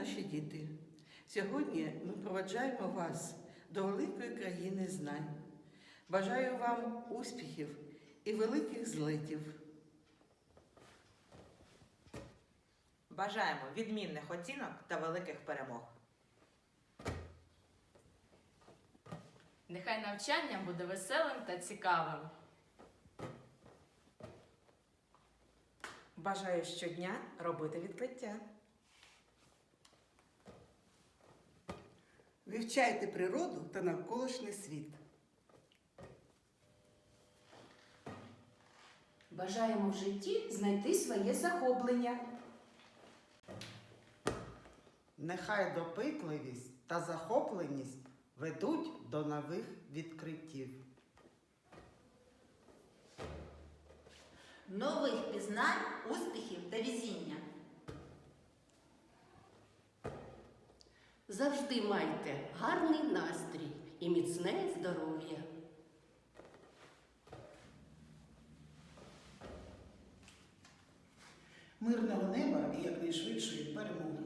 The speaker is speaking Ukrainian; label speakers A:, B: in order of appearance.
A: наші діти! Сьогодні ми проведжаємо вас до великої країни знань. Бажаю вам успіхів і великих злетів.
B: Бажаємо відмінних оцінок та великих перемог.
C: Нехай навчання буде веселим та цікавим.
D: Бажаю щодня робити відкриття.
E: Вивчайте природу та навколишній світ.
F: Бажаємо в житті знайти своє захоплення.
G: Нехай допитливість та захопленість ведуть до нових відкриттів.
H: Нових пізнань, успіхів та везіння.
I: Завжди майте гарний настрій і міцне здоров'я.
J: Мирного неба і якнайшвидшої перемоги.